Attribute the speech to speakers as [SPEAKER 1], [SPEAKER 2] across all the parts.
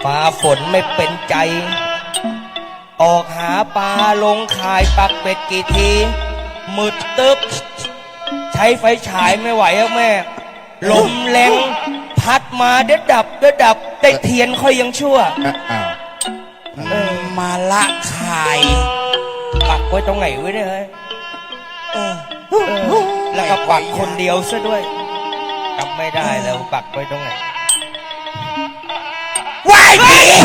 [SPEAKER 1] ฟ้าฝนไม่เป็นใจออกหาปลาลงข่ายปักเป็ดกี่ทีมืดตึ๊บใช้ไฟฉายไม่ไหวอะแม่ลมแรงพัดมาเด็ดดับได้เทียนค่อยยังชั่ว
[SPEAKER 2] มาละขาย
[SPEAKER 1] ปักไว้ตรงไหนไว้เนี่ยแล้วก็ปักคนเดียวซะด้วยจำไม่ได้แล้วปักไว้ตรงไหน
[SPEAKER 2] ว้าย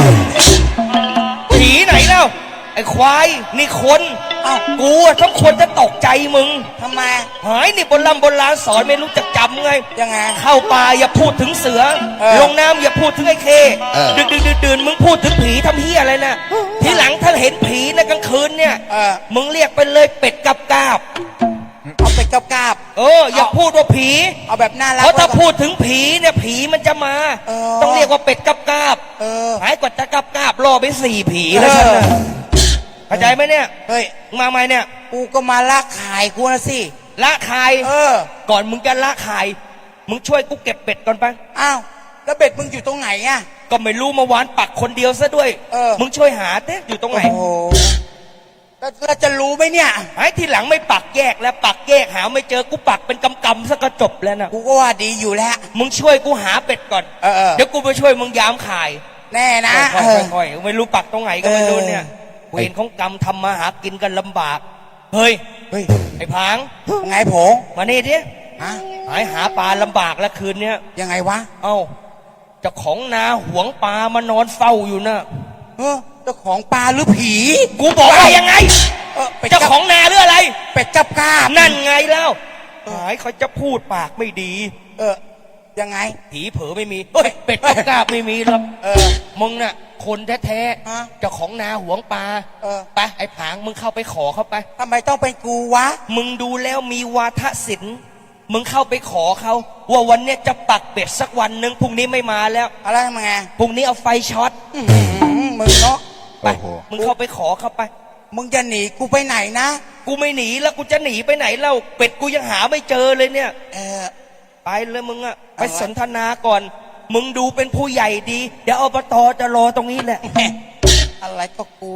[SPEAKER 1] ผีไหนแล้วไอ้ควายนี่คนกูทั้งคนจะตกใจมึง
[SPEAKER 2] ทำไม
[SPEAKER 1] หายนี่โบราณสอนไม่รู้จักจำไง
[SPEAKER 2] ยังไง
[SPEAKER 1] เข้าป่าอย่าพูดถึงเสือลงน้ำอย่าพูดถึงไอ้เคดื่นมึงพูดถึงผีทำเหี้ยอะไรนะทีหลังถ้าเห็นผีในกลางคืนเนี่ยมึงเรียกไปเลยเป็ดกับกาบ
[SPEAKER 2] เอาเป็ดกับกาบ
[SPEAKER 1] อย่าพูดว่าผี
[SPEAKER 2] เอาแบบน่ารัก
[SPEAKER 1] เพราะถ้าพูดถึงผีเนี่ยผีมันจะมาต้องเรียกว่าเป็ดกับกาบหายกว่าจะกับกาบล่อไป4 ผีแล้วฉันนะเข้าใจไหมเนี่ย
[SPEAKER 2] เฮ้ย
[SPEAKER 1] มาไหมเนี่ย
[SPEAKER 2] กูก็มาละขายกูนะสิ
[SPEAKER 1] ละขายก่อนมึงจะละขายมึงช่วยกูเก็บเป็ดก่อนไป
[SPEAKER 2] อ้าวแล้วเป็ดมึงอยู่ตรงไหนอ่ะ
[SPEAKER 1] ก็ไม่รู้เมื่อวานปักคนเดียวซะด้วยมึงช่วยหาเต้อยู่ตรงไหน
[SPEAKER 2] โอ้แล้วจะรู้ไหมเนี่ย
[SPEAKER 1] ไอ้ทีหลังไม่ปักแยกแล้วปักแยกหาไม่เจอกูปักเป็นกำๆซะก็จบแล้วนะ
[SPEAKER 2] กูก็ว่าดีอยู่แล้ว
[SPEAKER 1] มึงช่วยกูหาเป็ดก่อนเดี๋ยวกูไปช่วยมึงยามขาย
[SPEAKER 2] แน่นะ
[SPEAKER 1] ค่อยๆไม่รู้ปักตรงไหนก็ไม่รู้เนี่ยเวรของกรรมทำมาหากินกันลำบากเฮ้ยไอ้ผาง
[SPEAKER 2] ไงผง
[SPEAKER 1] มานี่ดิหาปลาลำบากแล้วคืนเนี้ย
[SPEAKER 2] ยังไงวะ
[SPEAKER 1] เอ้าเจ้าของนาหวงปลามานอนเฝ้าอยู่นะ
[SPEAKER 2] เจ้าของปลาหรือผี
[SPEAKER 1] กูบอกว่ายังไงเจ้าของนาหรืออะไร
[SPEAKER 2] เป็ดกับกาบ
[SPEAKER 1] นั่นไงแล้วเขาจะพูดปากไม่ดี
[SPEAKER 2] ยังไง
[SPEAKER 1] ผีเผลอไม่มีเป็ดกับกาบไม่มีหรอกมึงน่ะคนแท้ๆเจ้าของนาหวงปลาไปไอ้ผางมึงเข้าไปขอเข้าไป
[SPEAKER 2] ทำไมต้องเป็นกูวะ
[SPEAKER 1] มึงดูแล้วมีวาทศิลป์มึงเข้าไปขอเขาว่าวันนี้จะปักเป็ดสักวันหนึ่งพรุ่งนี้ไม่มาแล้ว
[SPEAKER 2] อะไรมาไง
[SPEAKER 1] พรุ่งนี้เอาไฟช็อต
[SPEAKER 2] มึงเนาะ
[SPEAKER 1] ไปมึงเข้าไปขอเข้าไป
[SPEAKER 2] มึงจะหนีกูไปไหนนะ
[SPEAKER 1] กูไม่หนีแล้วกูจะหนีไปไหนเล่าเป็ดกูยังหาไม่เจอเลยเนี่ยไปเลยมึงอะไปสนทนาก่อนมึงดูเป็นผู้ใหญ่ดีเดี๋ยวอบต.จะรอตรงนี้แหละ
[SPEAKER 2] อะไรก็กู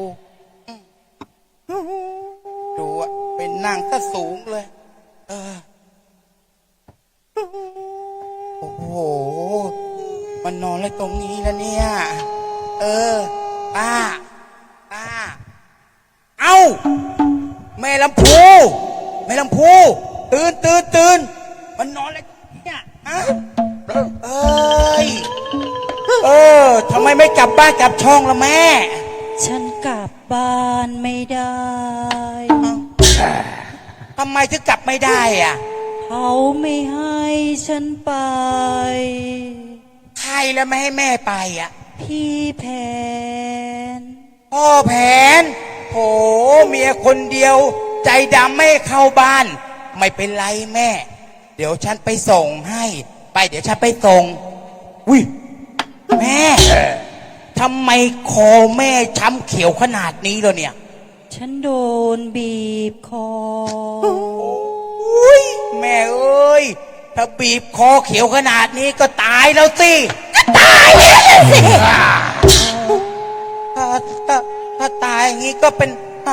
[SPEAKER 2] ดูอะเป็นนั่งซะสูงเลยโอ้โหมันนอนเลยตรงนี้แล้วเนี่ยป้าเอ้าแม่ลำพูตื่นมันนอนเลยเนี่ยทำไมไม่กลับบ้านกลับช่องละแม่
[SPEAKER 3] ฉันกลับบ้านไม่ได้
[SPEAKER 2] ทำไมถึงกลับไม่ได้อ่ะ
[SPEAKER 3] เขาไม่ให้ฉันไป
[SPEAKER 2] ใครแล้วไม่ให้แม่ไปอ่ะ
[SPEAKER 3] พี่แผน
[SPEAKER 2] พ่อแผนโหเมียคนเดียวใจดำไม่เข้าบ้านไม่เป็นไรแม่เดี๋ยวฉันไปส่งให้ไปเดี๋ยวฉันไปส่งอุ้ยแม่ทำไมคอแม่ช้ำเขียวขนาดนี้เลยเนี่ย
[SPEAKER 3] ฉันโดนบีบคอ
[SPEAKER 2] อุ้ยแม่เอ้ยถ้าบีบคอเขียวขนาดนี้ก็ตายแล้วสิก็ตายแล้วสิถ้าตายอย่างนี้ก็เป็น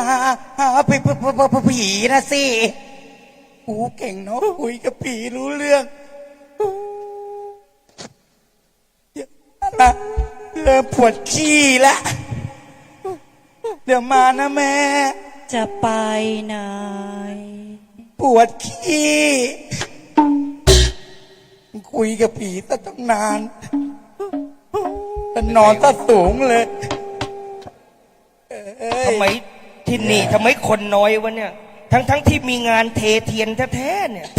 [SPEAKER 2] ผีนะสิกูเก่งเนาะคุยกับผีรู้เรื่องเริ่มปวดขี้ละเดี๋ยวมานะแม่
[SPEAKER 3] จะไปไหน
[SPEAKER 2] ปวดขี้คุยกับผีตั้งนานนอนซะสูงเลย
[SPEAKER 1] ทำไมที่นี่ทำไมคนน้อยวะเนี่ยทั้งที่มีงานเทเทียนแท้ๆเนี่ย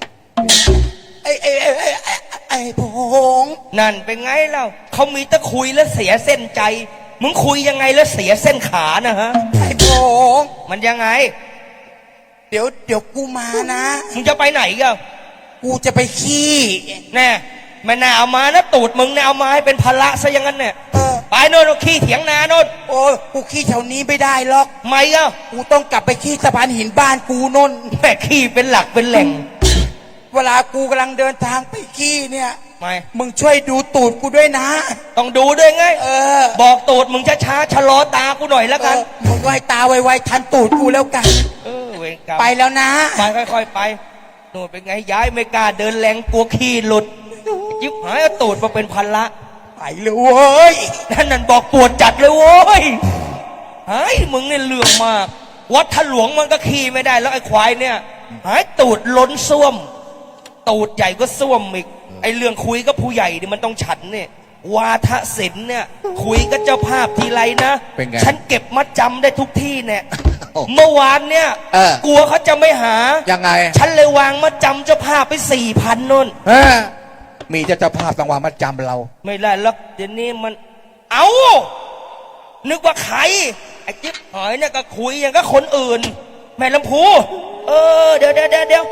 [SPEAKER 2] ไอ้พง
[SPEAKER 1] นั่นเป็นไงเล่าเขามีแต่คุยแล้วเสียเส้นใจมึงคุยยังไงแล้วเสียเส้นขานะฮะ
[SPEAKER 2] ไอ้พง
[SPEAKER 1] มันยังไง
[SPEAKER 2] เดี๋ยวกูมานะ
[SPEAKER 1] มึงจะไปไหนกัน
[SPEAKER 2] กูจะไปขี้
[SPEAKER 1] แน่ไม่น่าเอามานะตูดมึงน่าเอามาให้เป็นภาระซะอย่างนั้นเนี่ยไปโน่นขี้เถียงนาโน่น
[SPEAKER 2] โอ้กูขี้แถวนี้ไม่ได้หรอก
[SPEAKER 1] ไม่ก็
[SPEAKER 2] กูต้องกลับไปขี้สะพานหินบ้านกูโน่น
[SPEAKER 1] แม่ขี้เป็นหลักเป็นแหล่ง
[SPEAKER 2] เวลากูกำลังเดินทางไปขี้เนี่ย
[SPEAKER 1] ไม่
[SPEAKER 2] มึงช่วยดูตูดกูด้วยนะ
[SPEAKER 1] ต้องดูด้วยไง
[SPEAKER 2] บอก
[SPEAKER 1] ตูดมึงช้าๆชะลอตากูหน่อยแล้วกัน
[SPEAKER 2] มึงก็ให้ตาไวๆทันตูดกูแล้วกัน
[SPEAKER 1] เวรกรรม
[SPEAKER 2] ไปแล้วนะ
[SPEAKER 1] ไปค่อยๆไปโน่นเป็นไงย้ายไม่กล้าเดินแรงกลัวขี้หลุดยิบหายเอาตูดมาเป็นพันละ
[SPEAKER 2] ไปเลยเว้ย
[SPEAKER 1] นั่นบอกปวดจัดเลยโว้ยหายมึงเนี่ยเรื่องมาก วัดถลวงมันก็ขี้ไม่ได้แล้วไอ้ควายเนี่ยหายตูดล้นส้วม ตูดใหญ่ก็ส้วมอีกไอ้เรื่องคุยกับผู้ใหญ่นี่มันต้องฉันเนี่ยวาทศิลป์เนี่ยคุยกับเจ้าภาพทีไรนะ
[SPEAKER 2] เป็นไง
[SPEAKER 1] ฉันเก็บมัดจำได้ทุกที่เนี่ย
[SPEAKER 2] โอ้
[SPEAKER 1] เมื่อวานเนี่ย กลัวเขาจะไม่หา
[SPEAKER 2] ยังไง
[SPEAKER 1] ฉันเลยวางมัดจำเจ้าภาพไป4,000นู่น
[SPEAKER 2] มีเจ้าภาพต้องวางมาจำเรา ไม่
[SPEAKER 1] ไม่ได้แล้วเดี๋ยวนี้มัน เอานึกว่าใครไอ้จิ๊บหอยเนี่ยก็คุยอย่างก็คนอื่น แม่ลำพูเดี๋ยว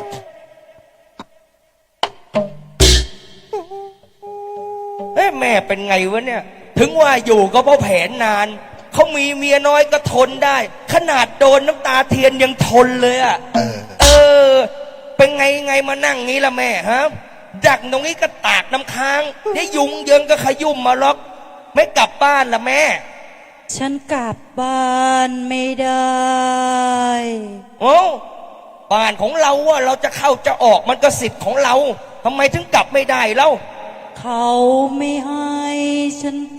[SPEAKER 1] เอ้แม่เป็นไงวะเนี่ย ถึงว่าอยู่ก็เพราะแผนนาน เขามีเมียน้อยก็ทนได้ ขนาดโดนน้ำตาเทียนยังทนเลยอ่ะ เป็นไงมานั่งงี้ละแม่ฮะ ดักตรงนี้ก็ตากน้ำค้างได้ยุงเยิงก็ขยุ่มมาล็อก ไม่กลับบ้านละแม่
[SPEAKER 3] ฉันกลับบ้านไม่ได้
[SPEAKER 1] โอ้บ้านของเราว่าเราจะเข้าจะออกมันก็สิทธิ์ของเราทำไมถึงกลับไม่ได้เล่า
[SPEAKER 3] เขาไม่ให้ฉันไป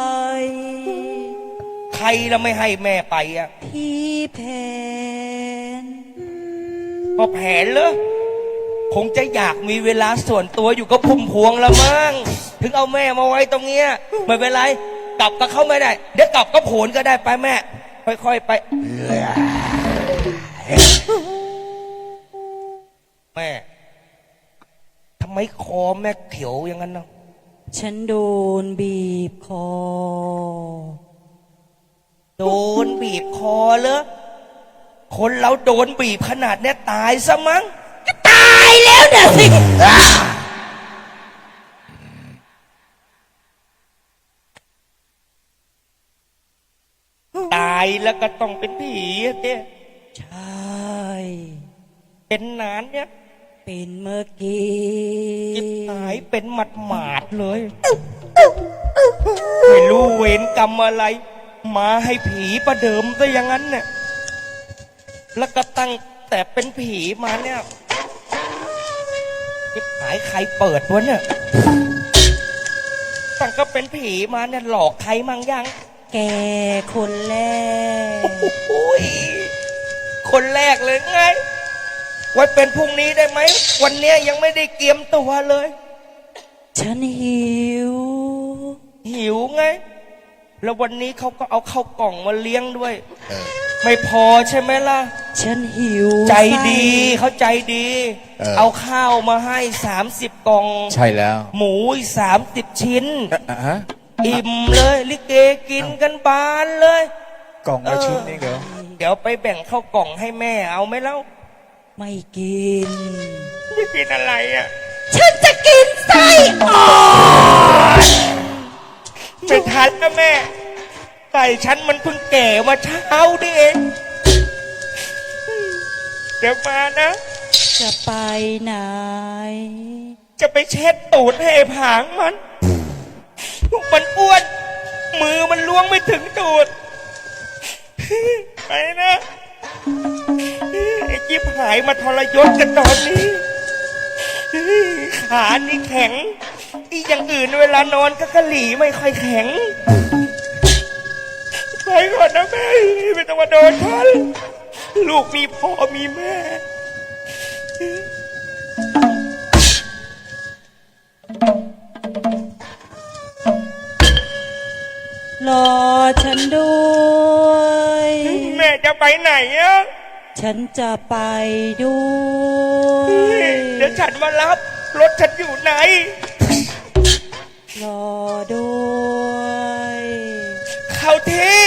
[SPEAKER 1] ใครละไม่ให้แม่ไปอ่ะ
[SPEAKER 3] พี่แผน
[SPEAKER 1] พอแผนเหรอคงจะอยากมีเวลาส่วนตัวอยู่กับพุ่มพวงละมั้งถึงเอาแม่มาไว้ตรงเนี้ยไม่เป็นไรกลับกับเขาไม่ได้เดี๋ยวกลับกับโผนก็ได้ไปแม่ ค่อยๆไป แม่ทำไมคอแม่เขียวอย่างนั้นเนาะ
[SPEAKER 3] ฉันโดนบีบคอ
[SPEAKER 1] โดนบีบคอเหรอคนเราโดนบีบขนาดเนี้ยตายซะมั้ง
[SPEAKER 3] ตายแล้วนะสิ
[SPEAKER 1] ตายแล้วก็ต้องเป็นผีอะเจ๊
[SPEAKER 3] ใช่
[SPEAKER 1] เป็นนานเนี่ย
[SPEAKER 3] เป็นเมื่อกี้
[SPEAKER 1] จิบหายเป็นหมาดๆเลยไม่รู้เวรกรรมอะไร มาให้ผีประเดิมซะอย่างนั้นเนี่ยแล้วก็ตั้งแต่เป็นผีมาเนี่ยจิบหายใครเปิดวะเนี่ยตั้งก็เป็นผีมาเนี่ยหลอกใครมั่งยัง
[SPEAKER 3] แกคนแรก
[SPEAKER 1] โอ้ยคนแรกเลยไงไว้เป็นพรุ่งนี้ได้ไหมวันเนี้ยยังไม่ได้เกียมตัวเลย
[SPEAKER 3] ฉันหิว
[SPEAKER 1] หิวไง แล้ววันนี้เขาก็เอาข้าวกล่องมาเลี้ยงด้วย ไม่พอใช่ไหมล่ะ
[SPEAKER 3] ฉันหิว
[SPEAKER 1] ใจดีเขาใจดี เอาข้าวมาให้30 กล่อง
[SPEAKER 2] ใช่แล้ว
[SPEAKER 1] หมูอีก30 ชิ้น
[SPEAKER 2] ฮะ
[SPEAKER 1] อิ่มเลยลิเกกินกันบานเลย
[SPEAKER 2] กล่องละชิ้นนี่เหรอ
[SPEAKER 1] เดี๋ยวไปแบ่งข้าวกล่องให้แม่เอาไหมเล่า
[SPEAKER 3] ไม่กิน
[SPEAKER 1] ไม่กินอะไรอ่ะ
[SPEAKER 3] ฉันจะกินไส้อ่อน
[SPEAKER 1] ไม่ทันแล้วแม่ไก่ฉันมันเพิ่งแก่มาเช้านี่เอง เดี๋ยวมานะ
[SPEAKER 3] จะไปไหน
[SPEAKER 1] จะไปเช็ดตูดให้ไอ้ผางมันอ้วน มือมันล้วงไม่ถึงตูด ไปนะไอ้จิ๊บหายมาทรยศกันตอนนี้ ขานี่แข็ง อีอย่างอื่นเวลานอนก็กะหลี่ไม่ค่อยแข็ง ไปก่อนนะแม่ไม่ต้องมาโดนฉันลูกมีพ่อมีแม่
[SPEAKER 3] รอฉันด้วย
[SPEAKER 1] แม่จะไปไหนอะ
[SPEAKER 3] ฉันจะไปด้วย
[SPEAKER 1] เดี๋ยวฉันมารับ รถฉันอยู่ไหน
[SPEAKER 3] รอด้วย
[SPEAKER 1] เข้าที่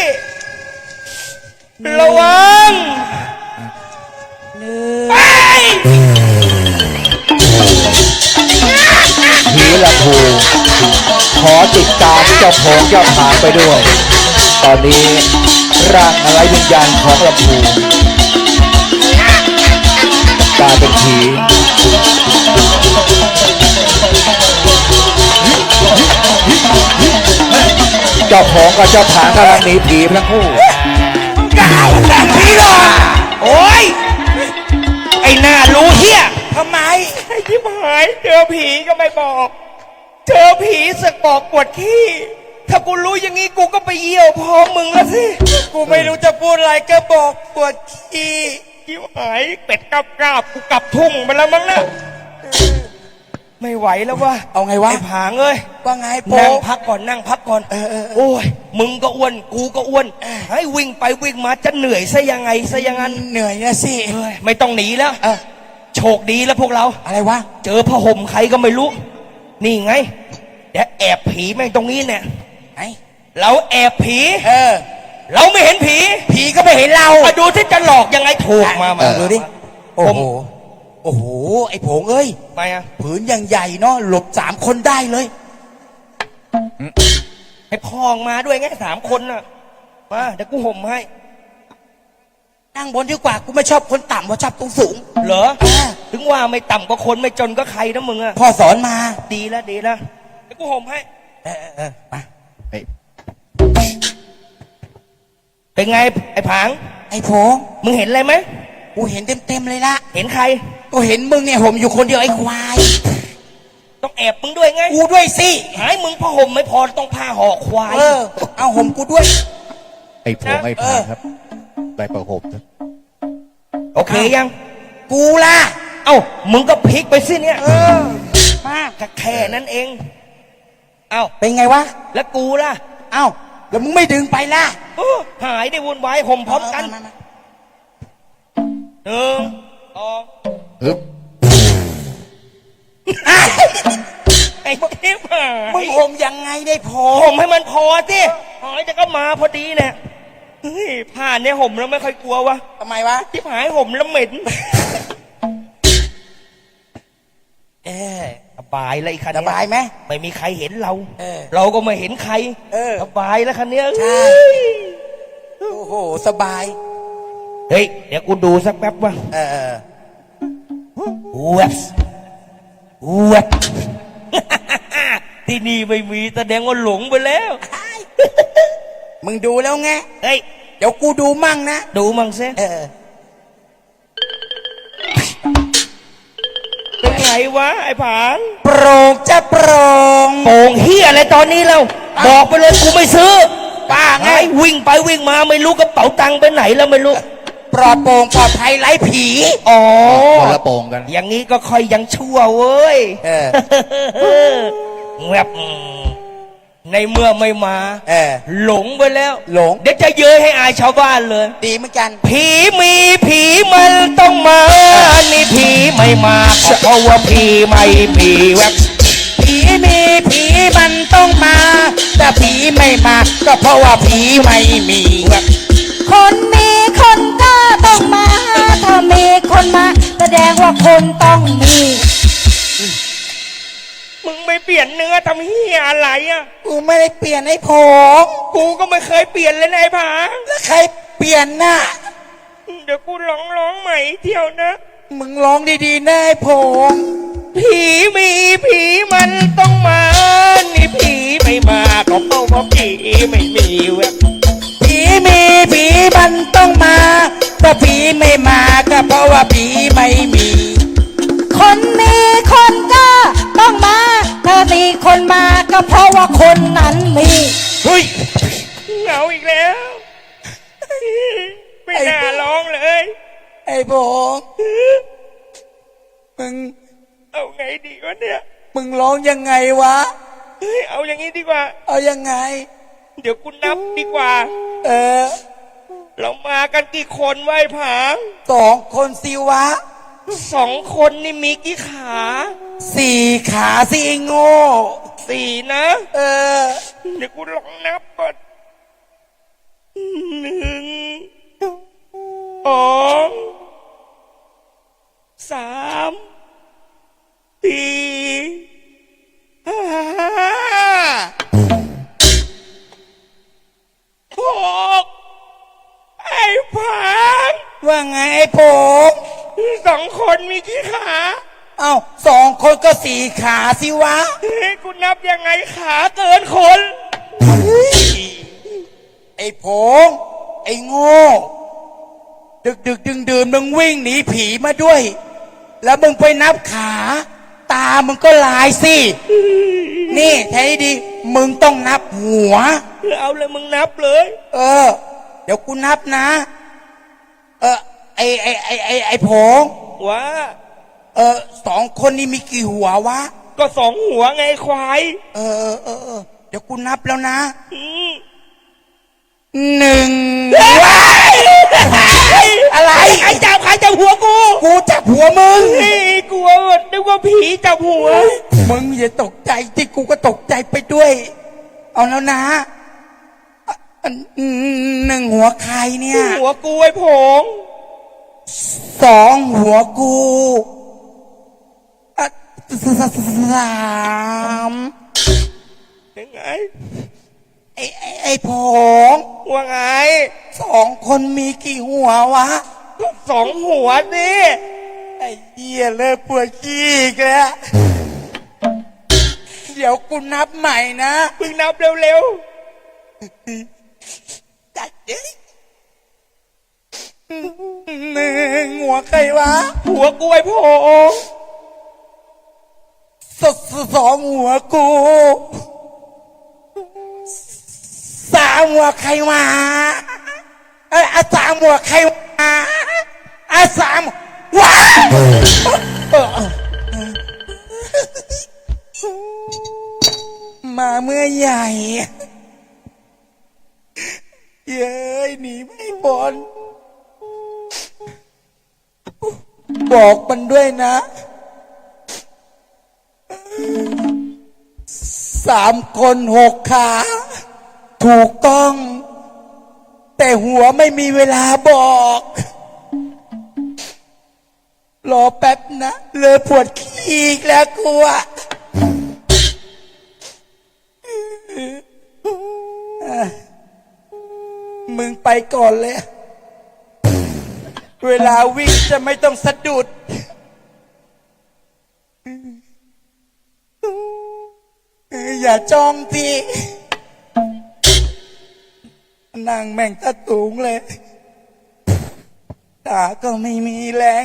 [SPEAKER 1] ระวัง
[SPEAKER 3] หนึ่ง
[SPEAKER 1] ไป
[SPEAKER 4] ผีลำพูขอติดตามเจ้าโผงเจ้าผางไปด้วย ตอนนี้ร่างอะไรวิญญาณของลำพูกลายเป็นผีเจ้าของกับเจ้าผางกำลังหนีผีทั้งคู่
[SPEAKER 2] กาวผีหรอก
[SPEAKER 1] โอ้ย ไอ้หน้ารู้เฮีย
[SPEAKER 2] ทำไม
[SPEAKER 1] ไอ้ที่หายเจอผีก็ไม่บอก เจอผีสึกบอกปวดขี้ ถ้ากูรู้อย่างงี้กูก็ไปเยี่ยวพอมึงแล้วสิ
[SPEAKER 2] กูไม่รู้จะพูดอะไรก็บอกปวดขี้
[SPEAKER 1] ที่หายเป็ดกราบกูกลับทุ่งไปแล้วมั้งนะไม่ไหวแล้ววะ
[SPEAKER 2] เอาไงวะ
[SPEAKER 1] ไอ้ผางเอ้ย
[SPEAKER 2] ว่าไงโป
[SPEAKER 1] นั่งพักก่อนนั่งพักก่อน
[SPEAKER 2] เออ
[SPEAKER 1] โอ้ยมึงก็อ้วนกูก็อ้วนให้วิ่งไปวิ่งมาจะเหนื่อยซะยังไงซะอยังงั้น
[SPEAKER 2] เหนื่อยนะสิ
[SPEAKER 1] เฮ้ยไม่ต้องหนีแล้ว
[SPEAKER 2] เออ
[SPEAKER 1] โชคดีแล้วพวกเรา
[SPEAKER 2] อะไรวะ
[SPEAKER 1] เจอผ้าห่มใครก็ไม่รู้ นี่ไงเดี๋ยวแอบผีแม่งตรงนี้เนี่ย
[SPEAKER 2] ไหน
[SPEAKER 1] เราแอบผี
[SPEAKER 2] เออ
[SPEAKER 1] เราไม่เห็นผี
[SPEAKER 2] ผีก็ไม่เห็นเรา
[SPEAKER 1] มาดูที่จะหลอกยังไงถูกมา
[SPEAKER 2] ดูดิ โอ้โห โอ้โห ไอ้ผงเอ้ย
[SPEAKER 1] ไปอ่ะ
[SPEAKER 2] ผืนอย่างใหญ่เนาะ หลบ3 คนได้เลย
[SPEAKER 1] ให้พองมาด้วยไง3 คนน่ะ มาเดี๋ยวกูห่มให้
[SPEAKER 2] นั่งบนดีกว่า กูไม่ชอบคนต่ำว่าชอบตรงสูง
[SPEAKER 1] เหรอ
[SPEAKER 2] อ่า
[SPEAKER 1] ถึงว่าไม่ต่ำกว่าคนไม่จนก็ใครนะมึงอะ
[SPEAKER 2] พ่อสอนมา
[SPEAKER 1] ดีแล้วดีแล้วเดี๋ยวกูห่มให้
[SPEAKER 2] มา
[SPEAKER 1] เป็นไงไอ้ผาง
[SPEAKER 2] ไอ้ผง
[SPEAKER 1] มึงเห็นอะไรไหม
[SPEAKER 2] กูเห็นเต็มเลยละ
[SPEAKER 1] เห็นใคร
[SPEAKER 2] กูเห็นมึงเนี่ยห่มอยู่คนเดียวไอ้ควาย
[SPEAKER 1] ต้องแอบมึงด้วยไง
[SPEAKER 2] กูด้วยสิ
[SPEAKER 1] หายมึงผ้าห่มไม่พอต้องผ้าห่อควาย
[SPEAKER 2] เออ เอาห่มกูด้วย
[SPEAKER 4] ไอ้ผงไอ้ผางครับได้ประหบนะ
[SPEAKER 1] โอเคยัง
[SPEAKER 2] กูล่ะ
[SPEAKER 1] เอ้ามึงก็พลิกไปสิเนี่ย
[SPEAKER 2] เออ มา
[SPEAKER 1] แค่นั้นเอง เอ้า
[SPEAKER 2] เป็นไงวะ
[SPEAKER 1] แล้วกูล่ะ
[SPEAKER 2] เอ้า แล้วมึงไม่ดึงไปล่ะ
[SPEAKER 1] โอ้หายได้วุ่นวายห่มพร้อมกัน
[SPEAKER 2] มา
[SPEAKER 1] หนึ่งสอง
[SPEAKER 4] ฮึบ
[SPEAKER 1] ไอ้เทพหาย
[SPEAKER 2] มึงห่มยังไงได้พอ
[SPEAKER 1] ห่มให้มันพอสิหายจะก็มาพอดีเนี่ยเฮ้ยผ้าเนี่ยห่มแล้วไม่ค่อยกลัววะ
[SPEAKER 2] ทำไมวะ
[SPEAKER 1] ที่หายห่มแล้วเหม็น สบายเลยคัน
[SPEAKER 2] ส
[SPEAKER 1] เนี้
[SPEAKER 2] บายไหม
[SPEAKER 1] ไม่มีใครเห็นเรา
[SPEAKER 2] เออ
[SPEAKER 1] เราก็ไม่เห็นใคร
[SPEAKER 2] เออ
[SPEAKER 1] สบายแล้วคันเนี้ย
[SPEAKER 2] ใช่ โอ้โห สบาย
[SPEAKER 1] เฮ้ยเดี๋ยวกูดูสักแป๊บว่า
[SPEAKER 2] เออ
[SPEAKER 1] เว็บเว็บ ที่นี่ไม่มีแสดงว่าหลงไปแล้ว
[SPEAKER 2] มึงดูแล้วไง
[SPEAKER 1] เฮ้ย
[SPEAKER 2] เดี๋ยวกูดูมั่งนะ
[SPEAKER 1] ดูมั่งซิ
[SPEAKER 2] เออ
[SPEAKER 1] เป็นไงวะไอ้ผาน
[SPEAKER 2] โปร่งจะโปร่ง
[SPEAKER 1] โป่งเฮียอะไรตอนนี้แล้วบอกไปเลยกูไม่ซื้อ
[SPEAKER 2] ป้าไง
[SPEAKER 1] ไอ้วิ่งไปวิ่งมาไม่รู้กระเป๋าตังค์ไปไหนแล้วไม่รู้
[SPEAKER 2] ปลอดโปร่งปลอดภัยไร้ผี
[SPEAKER 1] อ๋อ
[SPEAKER 4] คนละโป่งกัน
[SPEAKER 1] อย่างนี้ก็ค่อยยังชั่วเว้ย
[SPEAKER 2] เออ
[SPEAKER 1] แวบในเมื่อไม่มา
[SPEAKER 2] เออ
[SPEAKER 1] หลงไปแล้ว
[SPEAKER 2] หลง
[SPEAKER 1] เดี๋ยวจะเย้ยให้อายชาวบ้านเลย
[SPEAKER 2] ดีเหมือนกัน
[SPEAKER 1] ผีมีผีมันต้องมา นี่ผีไม่มาก็เพราะว่าผีไม่มีแวบ
[SPEAKER 2] ผีมีผีมันต้องมา แต่ผีไม่มา ก็เพราะว่าผีไม่มีเว้ย
[SPEAKER 3] คนมีคนก็ต้องมา ถ้ามีคนมา แสดงว่าคนต้องมี
[SPEAKER 1] มึงไม่เปลี่ยนเนื้อทำเฮียอะไรอ่ะ
[SPEAKER 2] กูไม่ได้เปลี่ยนไอ้ผง
[SPEAKER 1] กูก็ไม่เคยเปลี่ยนเลยนายผา
[SPEAKER 2] แล้วใครเปลี่ยนน่ะ
[SPEAKER 1] เดี๋ยวกูร้องใหม่เที่ยวนะ
[SPEAKER 2] มึงร้องดีๆนะไอ้ผง
[SPEAKER 1] ผีมีผีมันต้องมา นี่ผีไม่มาก็เพราะว่าผีไม่มีแวบ
[SPEAKER 2] ผีมีผีมันต้องมาแต่ผีไม่มาก็เพราะว่าผีไม่มี
[SPEAKER 3] คนมีคนก็ต้องมา ถ้ามีคนมาก็เพราะว่าคนนั้นมี
[SPEAKER 1] เฮ้ยเหงาอีกแล้ว ไม่น่าร้องเลย
[SPEAKER 2] ไอ้ผงมึง
[SPEAKER 1] เอาไงดีวะเนี่ย
[SPEAKER 2] มึงร้องยังไงวะ
[SPEAKER 1] เฮ้ยเอาอย่างนี้ดีกว่า
[SPEAKER 2] เอายังไง
[SPEAKER 1] เดี๋ยวกูนับดีกว่า
[SPEAKER 2] เออ
[SPEAKER 1] เรามากันกี่คนไวะไอ้ผาง
[SPEAKER 2] 2 คนสิวะ
[SPEAKER 1] 2 คนนี่มีกี่ขา
[SPEAKER 2] 4 ขาสิไอ้โง่
[SPEAKER 1] 4 นะ
[SPEAKER 2] เออ
[SPEAKER 1] เดี๋ยวกูลองนับก่อน 1 2 3 4 5 6ไอ้ผาง
[SPEAKER 2] ว่าไงไอ้ผง
[SPEAKER 1] 2 คนมีกี่ขา
[SPEAKER 2] เอ้า2 คนก็4 ขาสิวะ
[SPEAKER 1] เฮ้ยกูนับยังไงขาเกินคน
[SPEAKER 2] โไอ้ผงไอ้โง่ ดึกดึกดื่นมึงวิ่งหนีผีมาด้วย แล้วมึงไปนับขา ตามึงก็ลายสิ นี่แท้ดีมึงต้องนับหัว
[SPEAKER 1] เอาเลยมึงนับเลย
[SPEAKER 2] เดี๋ยวกูนับนะ ไอ้ผง
[SPEAKER 1] ว่า
[SPEAKER 2] สองคนนี้มีกี่หัววะ
[SPEAKER 1] ก็สองหัวไงควาย
[SPEAKER 2] เดี๋ยวกูนับแล้วนะ
[SPEAKER 1] อืม
[SPEAKER 2] หนึ่งอะไร
[SPEAKER 1] ใครจับหัวกู
[SPEAKER 2] กูจับหัวมึง
[SPEAKER 1] นี่กลัวนึกว่าผีจับหัว
[SPEAKER 2] มึงอย่าตกใจที่กูก็ตกใจไปด้วย เอาแล้วนะหนึ่งหัวใครเนี่ย
[SPEAKER 1] หัวกูไอ้ผง
[SPEAKER 2] สองหัวกูสาม
[SPEAKER 1] ยังไง
[SPEAKER 2] ไอ้ผง
[SPEAKER 1] ว่าไง
[SPEAKER 2] สองคนมีกี่หัววะ
[SPEAKER 1] ก็สองหัวสิ
[SPEAKER 2] ไอ้เหี้ยเลิกปวดขี้อีกแล้ว เดี๋ยวกูนับใหม่นะ
[SPEAKER 1] มึงนับเร็ว
[SPEAKER 2] จัดดิหนึ่งหัวใครวะ
[SPEAKER 1] ๆหัวกูไอ้ผง
[SPEAKER 2] สองหัวกูสามหัวใครมาสามหัวใครมาสามว้ามาเมื่อใหญ่เย้ยหนีไม่พ้นบอกมันด้วยนะสามคนหกขาถูกต้อง แต่หัวไม่มีเวลาบอก รอแป๊บนะเลยปวดขี้อีกแล้วกูอะมึงไปก่อนเลย เวลาวิ่งจะไม่ต้องสะดุด อย่าจ้องพี่นั่งแม่งตะตูงเลยขาก็ไม่มีแรง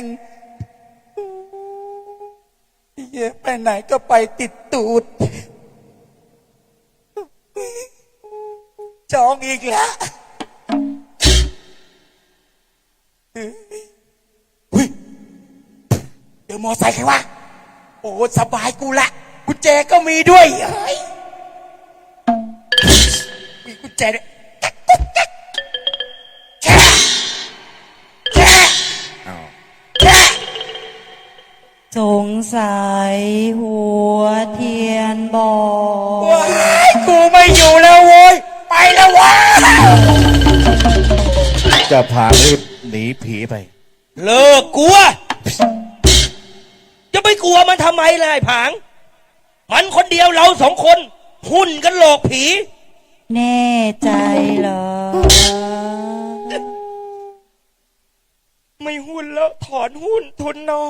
[SPEAKER 2] เยอะไปไหนก็ไปติดตูดจ้องอีกแล้วเดี๋ยวมอไซค์ใครวะโอ้สบายกูละกุญแจก็มีด้วยเฮ้ยมีกุญแจด้วยแค่แค่
[SPEAKER 3] สงสัยหัวเทียนบอก
[SPEAKER 2] ว้ายกูไม่อยู่แล้วโว้ยไปแล้ววะ
[SPEAKER 4] จะพารีบหนีผีไป
[SPEAKER 1] เลิกกลัว จะไปกลัวมันทำไมล่ะไอ้ผาง มันคนเดียวเราสองคนหุ่นกันหลอกผี
[SPEAKER 3] แน่ใจเหรอ
[SPEAKER 1] ไม่หุ้นแล้วถอนหุ้นทุนน้อย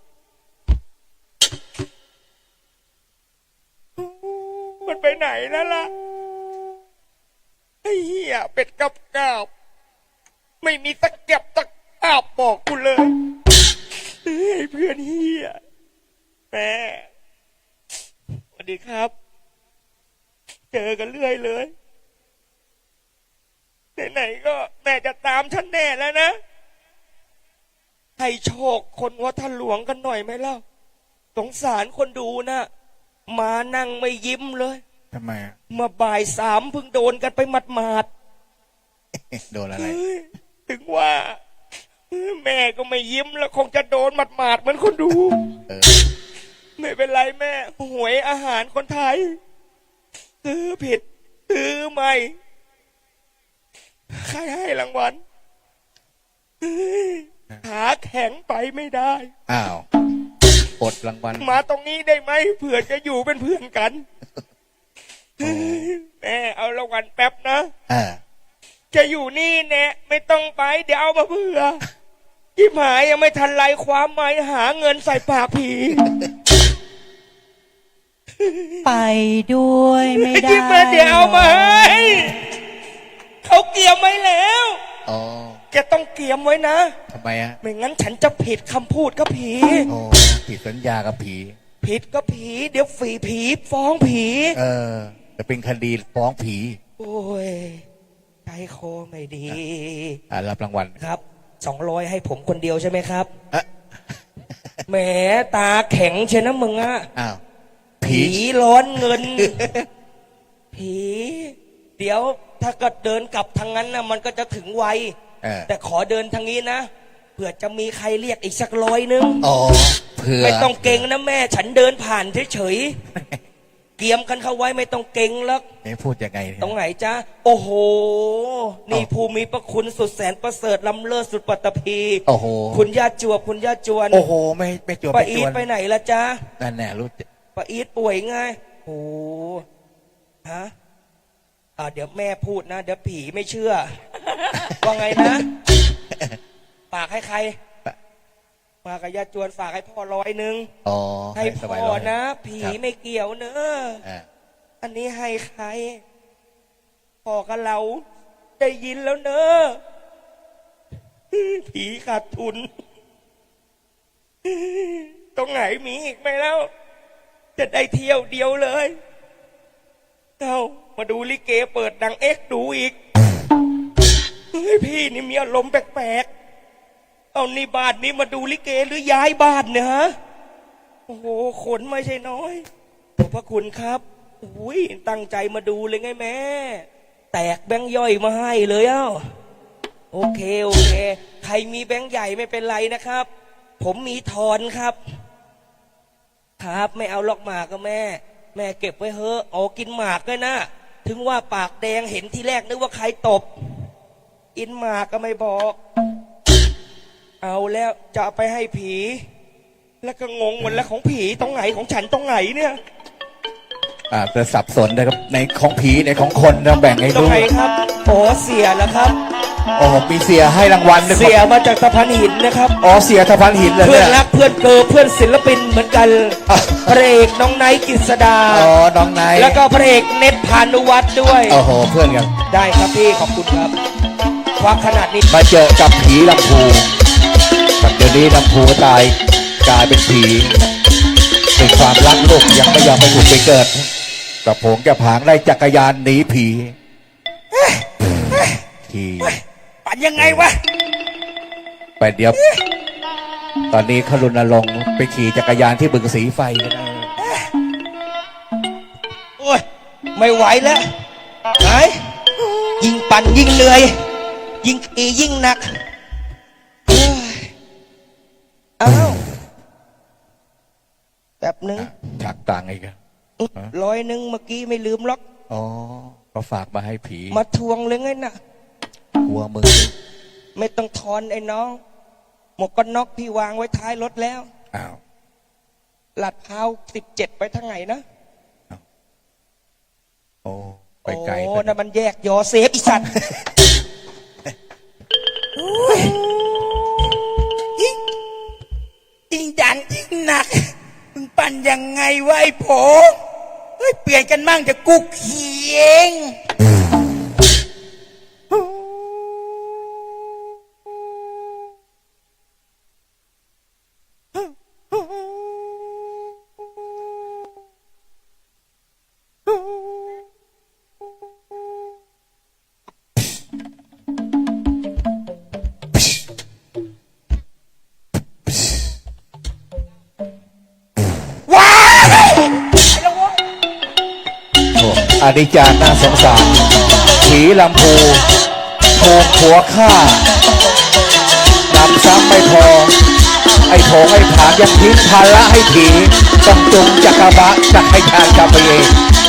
[SPEAKER 1] มันไปไหนนั่นล่ะไอ้เหี้ยเป็ดกับกาบไม่มีตะเก็บตะกาบบอกกูเลยเฮ้ยเพื่อนเหี้ยแม่สวัสดีครับ เจอกันเรื่อยเลยไหนๆก็แม่จะตามฉันแน่แล้วนะ ให้โชคคนวัดท่าหลวงกันหน่อยไหมเล่าสงสารคนดูนะมานั่งไม่ยิ้มเลย
[SPEAKER 4] ทำไมอะ
[SPEAKER 1] มาบ่ายสามเพิ่งโดนกันไปหมาด
[SPEAKER 4] โดนอะไร
[SPEAKER 1] ๆเฮ้ยถึงว่า แม่ก็ไม่ยิ้มแล้วคงจะโดนหมาดๆเหมือนคนดู
[SPEAKER 4] เออ
[SPEAKER 1] ไม่เป็นไรแม่หวยอาหารคนไทยซื้อผิดซื้อใหม่ใครให้รางวัลเฮ้ยขาแข็งไปไม่ได้
[SPEAKER 4] อ้าวอดรางวัล
[SPEAKER 1] มาตรงนี้ได้ไหมเผื่อจะอยู่เป็นเพื่อนกันเฮ้ยแม่เอารางวัลแป๊บนะ จะอยู่นี่แน่ไม่ต้องไปเดี๋ยวเอามาเผื่อที่หมายยังไม่ทันไรความหมายหาเงินใส่ปากผี
[SPEAKER 3] ไปด้วยไม่ได้
[SPEAKER 1] มาเดี๋ยวเอามาให้เขาเกี่ยมไว้แล้ว
[SPEAKER 2] อ๋อ
[SPEAKER 1] แกต้องเกี่ยมไว้นะ
[SPEAKER 2] ทำไมอะ
[SPEAKER 1] ไม่งั้นฉันจะผิดคำพูดกับผี
[SPEAKER 2] โอ้ผิดสัญญากับผี
[SPEAKER 1] ผิดกับผี เดี๋ยวผีฟ้องผี
[SPEAKER 2] จะเป็นคดีฟ้องผี
[SPEAKER 1] โอ้ยใจคอไม่ดี
[SPEAKER 2] รับรางวัล
[SPEAKER 1] ครับ200ให้ผมคนเดียวใช่ไหมครับ
[SPEAKER 2] เอ๊ะ
[SPEAKER 1] แหมตาแข็งเชยวนะมึงอะ
[SPEAKER 2] อ้าว
[SPEAKER 1] ผีร้อนเงิน ผี เดี๋ยวถ้าก็เดินกลับทางนั้นนะมันก็จะถึงไว แต่ขอเดินทางนี้นะเผื่อจะมีใครเรียกอีกสัก100นึง
[SPEAKER 2] อ๋อเพื่อ
[SPEAKER 1] ไม่ต้องเก่งนะแม่ ฉันเดินผ่านเฉยๆ เกียมกันเข้าไว้ไม่ต้องเก่งแล้ว
[SPEAKER 2] พูดยังไงเนี่ย
[SPEAKER 1] ตรงไหนจ๊ะ โอ้โห นี่
[SPEAKER 2] อ๋อ
[SPEAKER 1] ภูมิพระคุณสุดแสนประเสริฐล้ำเลิศสุดปัตตภี
[SPEAKER 2] โอ้โห
[SPEAKER 1] คุณย่าจวบคุณย่าจวน
[SPEAKER 2] โอ้โหไม่จวบ
[SPEAKER 1] ป้า
[SPEAKER 2] ไม่
[SPEAKER 1] อี
[SPEAKER 2] จ
[SPEAKER 1] ท
[SPEAKER 2] วน
[SPEAKER 1] ไปไหนละจ๊ะ
[SPEAKER 2] นั่นแน่รู้
[SPEAKER 1] ป้าอีทป่วยไงโอ้ฮะเดี๋ยวแม่พูดนะ เดี๋ยวผีไม่เชื่อ ว่าไงนะ ฝากให้ใครฝากกับย่าจวนฝากให้พ่อ100นึง
[SPEAKER 2] อ๋อ
[SPEAKER 1] ให้
[SPEAKER 2] สบาย
[SPEAKER 1] พ่อ
[SPEAKER 2] ร้อย
[SPEAKER 1] นะ ผีไม่เกี่ยวเนอะ
[SPEAKER 2] อ่า
[SPEAKER 1] อันนี้ให้ใครพ่อกับเราได้ยินแล้วเนอะผีขาดทุน ตรงไหนมีอีกไหมแล้ว จะได้เที่ยวเดียวเลยเอามาดูลิเกเปิดดังเอ็กซ์ดูอีกเฮ้ยพี่นี่มีอารมณ์แปลกๆเอานี่บ้านนี้มาดูลิเกหรือย้ายบ้านเนี่ยฮะโอ้โหขนไม่ใช่น้อยขอบพระคุณครับอุ้ยตั้งใจมาดูเลยไงแม่แตกแบงค์ย่อยมาให้เลยเอ้าโอเคใครมีแบงค์ใหญ่ไม่เป็นไรนะครับ ผมมีทอนครับไม่เอาลอกหมากก็แม่เก็บไว้เถอะเอากินหมากด้วยนะถึงว่าปากแดงเห็นที่แรกนึกว่าใครตบกินหมากก็ไม่บอก เอาแล้วจะเอาไปให้ผี แล้วก็งงหมดแล้วของผีตรงไหนของฉันตรงไหนเนี่ย
[SPEAKER 2] จะสับสนนะครับในของผีในของคนเราแบ่งให้
[SPEAKER 1] ตรง
[SPEAKER 2] รู้
[SPEAKER 1] ไหนครับโอ้เสียแล้วครับ
[SPEAKER 2] โอ้มีเสียให้รางวัลด้วย
[SPEAKER 1] เสียมาจากตะพันหินนะครับ
[SPEAKER 2] อ๋อเสียทพันหินเลย
[SPEAKER 1] เพื่อน
[SPEAKER 2] เนี่ย
[SPEAKER 1] รักเพื่อนเกิร์ลเพื่อนศิลปินเหมือนกัน
[SPEAKER 2] อ่ะ
[SPEAKER 1] พระเอกน้องไนท์กฤษดา
[SPEAKER 2] อ๋อน้องไนท์
[SPEAKER 1] แล้วก็พระเอกเน็ตพานุวัฒน์ด้วย
[SPEAKER 2] โอ้โหเพื่อนกัน
[SPEAKER 1] ได้ครับพี่ขอบคุณครับควักขนาดนี้
[SPEAKER 2] มาเจอกับผีลำพูกับเดี๋ยวนี้ลำพูตายกลายเป็นผีเป็นความรักลูกยังไม่ยอมไปถูกไปเกิดกระโผงกระผางได้จักรยานหนีผีผี
[SPEAKER 1] ปั่นยังไงวะ
[SPEAKER 2] ไปเดี๋ยว ตอนนี้เขารณรงค์ไปขี่จักรยานที่บึงสีไฟกันนะ
[SPEAKER 1] โอ้ยไม่ไหวแล้วไหนยิ่งปั่นยิ่งเหนื่อยยิ่งขี่ยิ่งหนักเอ้ยอ้าวแบบนึง
[SPEAKER 2] ชักตังค์อีกอะ
[SPEAKER 1] 100นึงเมื่อกี้ไม่ลืมล็อก
[SPEAKER 2] อ๋อก็ฝากมาให้ผี
[SPEAKER 1] มาทวงเลยไงน่ะ
[SPEAKER 2] กลัวมึง
[SPEAKER 1] ไม่ต้องทอนไอ้น้อง หมวกกันน็อกพี่วางไว้ท้ายรถแล้ว
[SPEAKER 2] อ้าว
[SPEAKER 1] ลาดพร้าว17ไปทางไหนนะ
[SPEAKER 2] โอ้ไปไกล
[SPEAKER 1] โอ้
[SPEAKER 2] ซะ
[SPEAKER 1] นั่นมันแยกยอเซฟอีสัตว์ยิ่งดันยิ่งหนักมึงปั่นยังไงวะไอ้โผเฮ้ยเปลี่ยนกันมั่งจะกุกเขียง
[SPEAKER 2] โอ้อานิจจาน่าสงสารผีลำพูถูกผัวฆ่านำซ้ำไม่พอ ไอ้โถงไอ้ผางยังทิ้งภาระให้ผีต้องจุงจักรบะจักรยานกับไปเอง